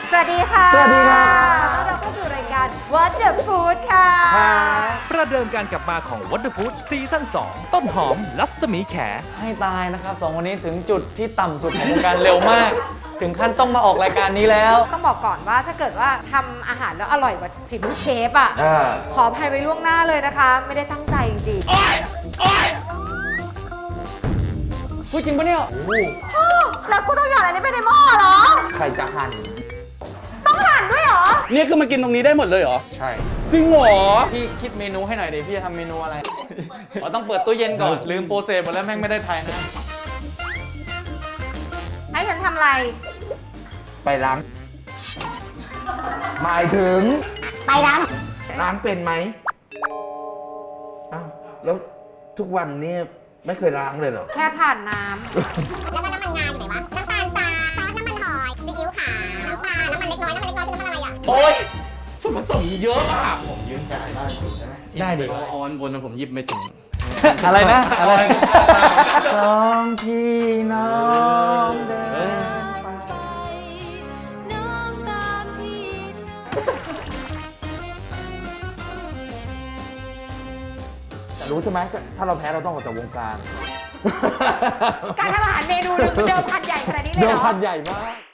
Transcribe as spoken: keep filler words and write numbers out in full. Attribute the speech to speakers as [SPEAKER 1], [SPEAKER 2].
[SPEAKER 1] สวัสดีค่ะ
[SPEAKER 2] สวัสดีค่ะ
[SPEAKER 1] ต้อนรับเข้าสู่รายการ What the Food ค่ะ
[SPEAKER 3] ประเดิมการกลับมาของ What the Food ซีซั่นสองต้นหอมรัศมีแข
[SPEAKER 4] ให้ตายนะครับสองคนนี้ถึงจุดที่ต่ำสุดของวงการเร็วมาก ถึงขั้นต้องมาออกรายการนี้แล้ว
[SPEAKER 1] ต้องบอกก่อนว่าถ้าเกิดว่าทำอาหารแล้วอร่อยกว่าฝีมือเชฟอ่ะ
[SPEAKER 2] อ่า
[SPEAKER 1] ขออภัยไว้ล่วงหน้าเลยนะคะ ไม่ได้ตั้งใจจริง
[SPEAKER 4] พูดจริงปะเนี่ย
[SPEAKER 1] ๆแล้วกูต้องหยอดอันนี้ไปในหม้อเหรอ
[SPEAKER 2] ใครจะหั่น
[SPEAKER 1] ต้องหั่นด้วยเหรอ
[SPEAKER 5] เนี่ยคือมากินตรงนี้ได้หมดเลยเหรอ
[SPEAKER 2] ใช่
[SPEAKER 5] จริงเหรอ
[SPEAKER 4] พี่คิดเมนูให้หน่อยดิพี่จะทำเมนูอะไร อ๋อต้องเปิดตู้เย็นก่อน ลืมโปรเซสหมดแล้วแม่งไม่ได้ไทยนะ
[SPEAKER 1] ให้ฉันทำอะไร
[SPEAKER 2] ไปล้าง หมายถึง
[SPEAKER 1] ไปล้าง
[SPEAKER 2] ล้างเป็นไหมอ้าวแล้วทุกวันนี้ไม่เคยล้างเลยเหรอ
[SPEAKER 1] แค่ผ่านน้
[SPEAKER 6] แล้วก็น้ำมันงาอยู่ไหนวะ น้ำตาลทรายซอสน้ำมันหอยซีอิ๊วขาว น้ำตาล น้ำมันเล็กน้อย น้ำมันเล็กน้อยคือน้ำมันอะไรอ่ะ
[SPEAKER 5] โอ๊ยส่วนผสมเยอะอ่ะ
[SPEAKER 4] ได้ดิ
[SPEAKER 5] ออนบนผมหยิบไม่ถึง
[SPEAKER 4] อะไรนะ อะไรสองพี่น้องเดินไป
[SPEAKER 2] แต่รู้ใช่ไหมถ้าเราแพ้เราต้องออกจากวงการ
[SPEAKER 1] ำการทำอาหารเมนูหนึงเดิมพันใหญ่ขนาดนี้เลย
[SPEAKER 2] เดิ
[SPEAKER 1] เห
[SPEAKER 2] ม
[SPEAKER 1] รอ
[SPEAKER 2] พันใหญ่มาก